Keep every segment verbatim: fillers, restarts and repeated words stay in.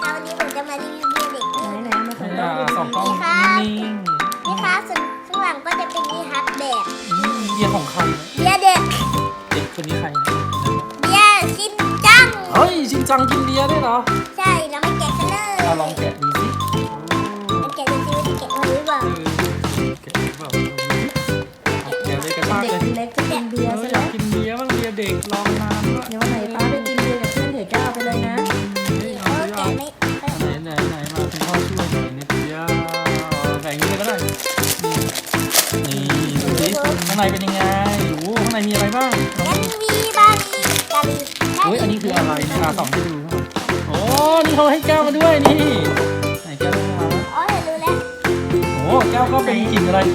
คะวันนี้ผมจะมารีวิวเบียร์เด็กไหนไหนมาไหนอ่ะสองกล้องนิ่งนี่คะส่วนข้างหลังก็จะเป็นนี่ฮัทแบบๆอืมเบียร์ของใครเบียร์เด็กเด็กคนนี้ใครเบียร์ชินจังเฮ้ยชินจังกินเบียร์ด้วยเหรอใช่เราไม่แกะกันเลยอ่ะลองแกะดูสิมันแกะดูสิว่าจะแกะมาหรือเปล่าเออแกะหรือเปล่าแกะเลยกระชากเด็กเลยเล็กจะกินเบียร์เออใช่อไหมยากกินเบียร์บ้างเบียร์เด็กลองนานด้วยเดี๋ยววันไหนป้าไปกินเบียร์กับเพื่อนเถอะก้าวไปเลยนะเฮ้ยเอเอาอสิแกะเอาไม่ไหนไหนไหนมาคุณพ่อช่วยหน่อยนิดเดียวแบ่งนี้เลยก็ได้นี่ดูสิข้างในเป็นยังไงโอ้โหข้างในมีอะไรบ้างงั้นมีบาลีกาลีเฮ้ยอันนี้คืออะไรเนี่ยอ่ะส่องให้ดูโอ้นี่เขาให้แก้วมาด้วยนี่ไหนแก้วมาอ๋อเดี๋ยวรู้แล้วโอ้แก้วก็เป็นกลิ่นอะไร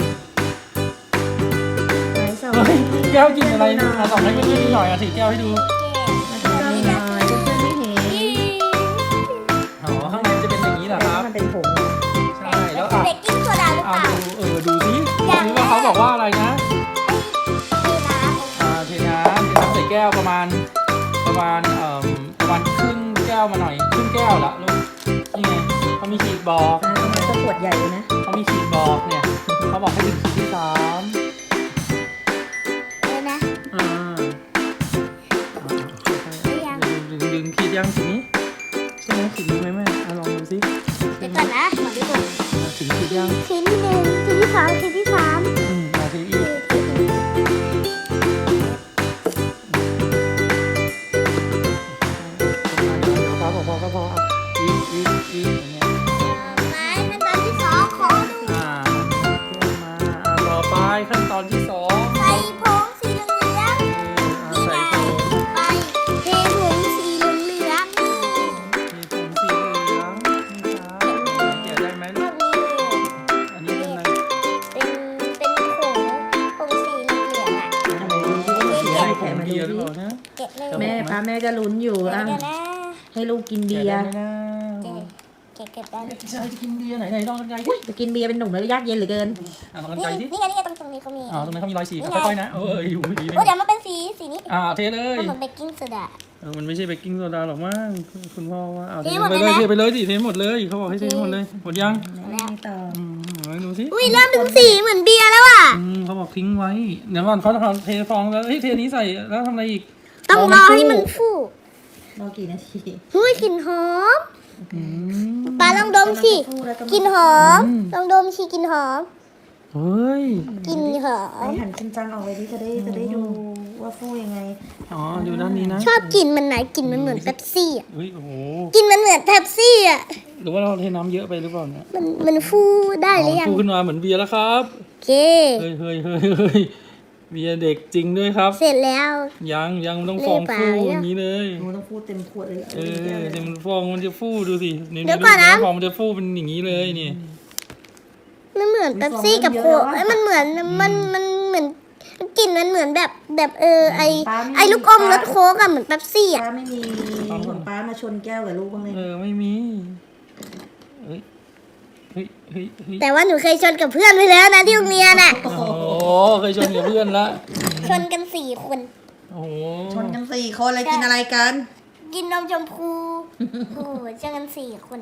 ไหนสองเฮ้ยแก้วกลิ่นอะไรอ่ะส่องให้เพื่อนๆหน่อยอ่ะถือแก้วให้ดูแกะมาดูหน่อยเพื่อนๆไม่เห็นอ๋อข้างในจะเป็นอย่างนี้เหรอครับมันเป็นผงใช่แล้วอ่ะเบกกิ้งโซดาหรืออ่ะเปล่าดูเออดูสิดูว่าเขาบอกว่าอะไรนะนี่นะอ่าเทน้ำเทน้ำใส่แก้วประมาณประมาณเอ่อประมาณครึ่งแก้วมาหน่อยครึ่งแก้วละลูกนี่ไงเขามีขีดบอกนะมันจะขวดใหญ่เลยนะเขามีขีดบอกเนี่ยเขาบอกให้ถึงขีดที่สามเลยนะอ่าดึงดึงขีดยังขีดนี้ใช่ไหมขีดนี้ไหมแม่อ่ะลองดูสิเดี๋ยวก่อนนะขอดูก่อนอ่ะถึงขีดยังชิ้นหนึ่งชิ้นที่สองชิ้นที่สามอืมมาทีอีกพอพอพอพออ่ะอีกอีกอีกอย่างเงี้ยไม้ขั้นตอนที่สองขอดูอ่าขึ้นมาอ่าต่อไปขั้นตอนที่สองใส่ผงสีเหลืองอ่านี่ใส่ไงผงไปเทผงสีเหลืองมีผงสีเหลืองนี่ครับแกะได้ไหมพลูวกกนี้อันนี้เป็นอะไรเป็นเป็นผงผงสีเหลืองอ่ะทำไมรู้ที่ว่ามันสีอะไรผแกะงมาเบีดูยร์หรือดิเปล่านะแกะเลยแม่ป้าแม่ก็ลุ้นอยู่เดี๋อ่ะยวนะให้ลูกกินเบีแกะยได้ร์ไหมนะแกะแกะแกะได้ใช่จะกินเบียร์ไหนไหนลองกันไกลดิจะกินเบียร์เป็นหนุ่มแล้วยากเย็นเหลือเกินอ่ะลองกันนี่ไกลดินี่ไงนี่ไงตรงตรงนี้เขามีอ่าตรงนั้นเขามีรอยสีค่อยๆนะเอออยู่ดีโอ้เดี๋ยวมันเป็นสีสีนี้อ่าเทเลยมันเหมือนเบกกิ้งโซดาเออมันไม่ใช่เบกกิ้งโซดาหรอกมั้งคุณพ่อว่าเอาเทหมดไปเลยเลยนะเทไปเลยดิเทหมดเลยเขาบอกให้เทหมดเลยหมดยังไม่ต่ออืมเอาดูสิอุ้ยเริ่มถึงสีเหมือนเบียร์แล้วอ่ะอืมเขาบอกทิ้งไว้เดี๋ยวก่อนเขาจะเทฟองแล้วเฮ้ยเทนี้ใส่แล้วทำอะไรอีกต้องรอให้มันฟูรอกี่นาทีหุ้ยกลิ่นหอมอืมปลาลองดมสิกลิ่นหอมอืมลองดมสิกลิ่นหอมเฮ้ยกลิ่นหอไอมหันชินจังออกไปดิจะได้จะได้ดูว่าฟูยังไงอ๋ออยู่ด้านนี้นะชอบกลิ่นมันไหนกลิ่นมันเหมือนเป๊ปซี่อ่ะเฮ้ยโอ้โหกลิ่นมันเหมือนเป๊ปซี่อ่ะหรือว่าเราเทน้ำเยอะไปหรือเปล่าเนี่ยมันมันฟูได้หรือยังฟูขึ้นมาเหมือนเบียร์แล้วครับโอเคเฮ้ยเฮ้ยเฮ้ยเฮ้ยเบียร์เด็กจริงด้วยครับเสร็จแล้วยังยังมันต้องฟองฟูอย่างนี้เลยหนูต้องพูดเต็มขวดเลยเออเดี๋ยวมันฟองมันจะฟูดูสินี่เดี๋ยวก่อนนะฟองมันจะฟูเป็นอย่างนี้เลยนี่มันเหมือนเป๊ปซี่กับโค้กเอ้ยมันเหมือนมันมันเหมือนกลิ่นมันเหมือนแบบแบบเออไอไอลูกอมรสโค้กอะเหมือนเป๊ปซี่อะป้าไม่มีของป้ามาชนแก้วกับลูกบ้างเลยเออไม่มีเฮ้ยเฮ้ยเฮ้ยเฮ้ยแต่ว่าหนูเคยชนกับเพื่อนไปแล้วนะที่โรงเรียนอะโอ้โหเคยชนกับเพื่อนละชนกันสี่คนโอ้โหชนกันสี่คนอะไรกินอะไรกันกินนมชมพูโอ้โหชนกันสี่คน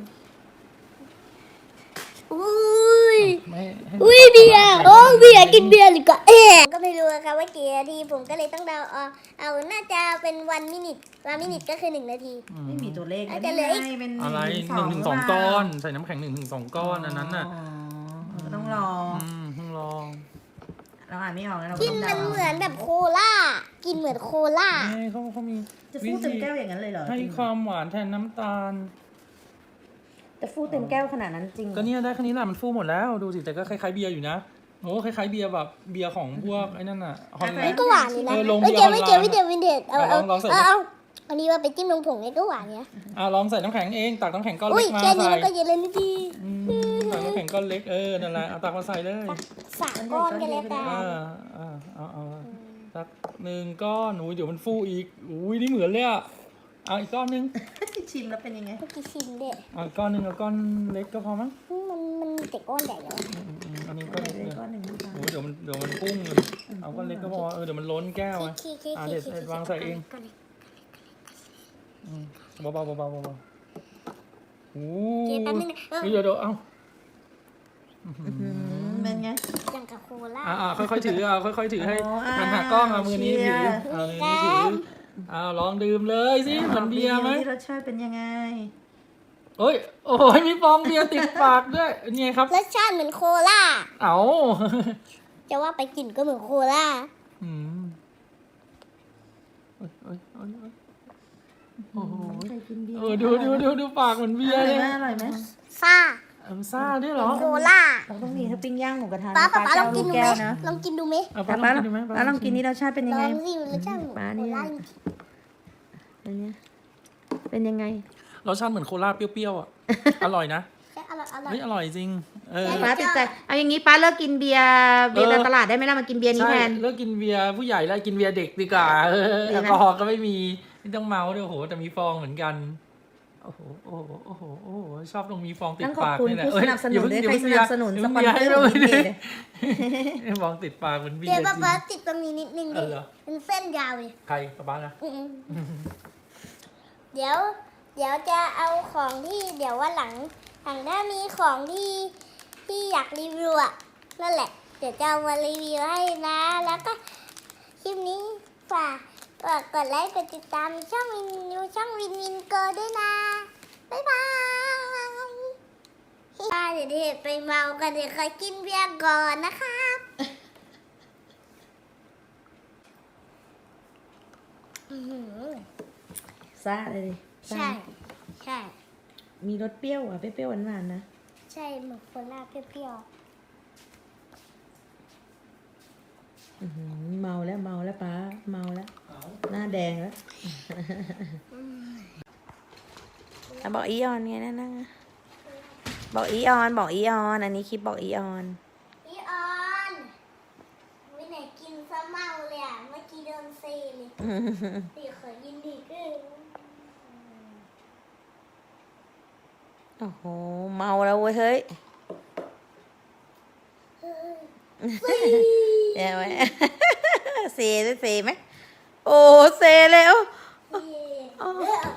อุ้ยไม่ให้อุ้ยเบียร์โอ้เบียร์กินเบียร์หรือก็เอ๊ะก็ไม่รู้อะค่ะว่ากี่นาทีผมก็เลยต้องเดาเอาเอาน่าจะเป็นวันมินิทวันมินิทก็คือหนึ่งนาทีไม่มีตัวเลขอาจจะเหลืออีกเป็นอะไรหนึ่งถึงสองก้อน ใส่น้ำแข็งหนึ่งถึงสองก้อนอันนั้นน่ะต้องรออืมเพิ่งลองเราอ่านไม่ออกแล้วเรากินต้องมันเดาเหมือนแบบโคล่ากินเหมือนโคล่านี่เขาเขามีจะฟูเต็มแก้วอย่างนั้นเลยเหรอให้ความหวานแทนน้ำตาลจะฟูเต็มแก้วขนาดนั้นจริงก็เนี่ยได้แค่นี้แหละมันฟูหมดแล้วดูสิแต่ก็คล้ายๆเบียร์อยู่นะโอ้คล้ายๆเบียร์แบบเบียร์ของพวกไอ้นั่นน่ะฮอลแลนี่นด์ก็หวานอยู่นะเออลงไม่เบีเกี่ยยวร์ไม่เกี่ยวฮอลไม่แลนด์เกี่ยวไม่เด็ดเอาเอาลองลองใส่เอาเอาอันนี้ว่าไปจิ้มลงผงนี่ก็หวานเนี้ยอ่ะลองใส่น้ำแข็งเองตักน้ำแข็งก้อนอุ้เล็ยกมาแค่นี้ใส่มันก็เย็นเลยนี่ดีอืมใส่น้ำแข็งก้อนเล็กเออนั่นแหละเอาตักมาใส่เลยสามก้อนกันแล้วกัอ่าน อ่าเอาเอาตักหนึ่งก้อนหนูเดี๋ยวมันฟูอีกอุ้ยนี่เหมือนเลยอ่ะเอาอีกก้อนหนึงชิมแล้วเป็นยังไงเมื่อกี้ชิมเด็ดเอาอีกก้อนหนึงเอาก้อนเล็กก็พอมั้งมันมันมีแต่ก้อนใหญ่แล้วอืมอืมอันนี้ก้อนเล็กเลเลย ยก้อนหนึ่งนะคะโอ้ยเดี๋ยวมันเดี๋ยวมันปุ้งเลยเอาก้อนเล็กก็พอเออเดี๋ยวมันล้นแก้วไงขี้ขี้อ่ะขี้เด็ดขี้เด็ดวางใส่เอง อืมเบาๆเบาๆเบาๆโอ้เกแป๊บนึงนะเออเดี๋ยวเดี๋ยวเอาเป็นไงอย่างกับโคล่าอ่าอ่าค่อยๆถือเอาค่อยๆถือให้อ๋ออ่าหันหากล้องเอามือนี้เชีถืยอร์เอามือนี้ถือเอาลองดื่มเลยสิเหมือนเบียร์ไหมบอกดิรสชาติเป็นยังไงโอ้ยโอ้ยมีฟองเบียร์ติดปากด้วยนี่ครับรสชาติเหมือนโคล่าเอาจะว่าไปกลิ่นก็เหมือนโคล่าอืมโอ้ยโอ้ยโอ้ยโอ้ยโอ้โหใครกินเบียร์เออดูดูดูดูปากเหมือนเบียอร์ร่เลอยยไหมอร่อยไหมซ่าเออซ่าด้วยเหรอโคล่าเราต้องมีถ้าปิ้งย่างหมูกระทะป้าป้าป้าป้าลจะองเอากิลูนกดูแก้ไหมวนะลองกินดูไหมเอาป้าป้าป้าลองกินดูไหมป้าลองกินนี่รสชาติเป็นลยังอไงงสิรสชาติเหมือนป้าโคเนี่ยล่าจริงเป็นไงเป็นยังไงรสชาติเหมือนโคลาเปรี้ยวๆอ่ะ อร่อยนะๆใช่อร่อยอร่อยเฮ้ยอร่อยจริง เออป้าติดใจเอาอย่างนี้ป้าเลิกกินเบียร์เบียร์เออในตลาดได้ไหมล่ะมากินเบียร์นี้ใช่แทนเลิกกินเบียร์ผู้ใหญ่แล้วกินเบียร์เด็กดีกว่าเออดีแอไหมลกอฮอล์ก็ไม่มีไม่ต้องเมาด้วยโอ้โหแต่มีฟองเหมือนกันโอ้โหโอ้โหโอ้โหโอ้โหชอบตรงมีฟองติดต้องขอบปากคุณนี่แหละผู้สนับสนุนด้วยใครสนับสนุนสปอนเซอร์ให้ขด้องวยกินดิเบียร์ฟองติดปากเหมือนเบียเดี๋ยวร์จป้าริงป้าติดตรงนี้นิดนึงเอดิอเหรอเป็นเส้นยาวเลยใครป้าบ้านะอืมๆเดี๋ยว เดี๋ยวจะเอาของที่เดี๋ยวว่าหลังหลังถ้ามีของที่ที่อยากรีวิวอะนั่นแหละ เดี๋ยวจะเอามารีวิวให้นะ แล้วก็คลิปนี้ฝากฝากกดไลค์กดติดตามช่องวินยูช่องวินวินเกิร์ลด้วยนะ บ๊ายบายป้าเดี๋ยวเด็กไปเมากันเดี๋ยวเคยกินเบียร์ก่อนนะครับอื้อหือซ่าเลยดิซ่าใช่ ใช่มีรสเปรี้ยวอ่ะเปรี้ยวๆหวานๆนะใช่เหมือนโคล่าเปรี้ยวอื้อหือเมาแล้วเมาแล้วป้าเมาแล้วหน้าแดงแล้วอ่ะบอกอีออนไงนั่นนะบอกอีออนบอกอีออนอันนี้คลิปบอกอีออนๆพี่ออนวิไหนกินซะเมาเลยอ่ะ เมื่อกี้โดนเซเลยตีขอยินดีด้วยโอ้โหเมาแล้วเว้ยเฮ้ยเดี๋ยวไว้ เซได้เซไหมโอ้เซเลยโอ้เออ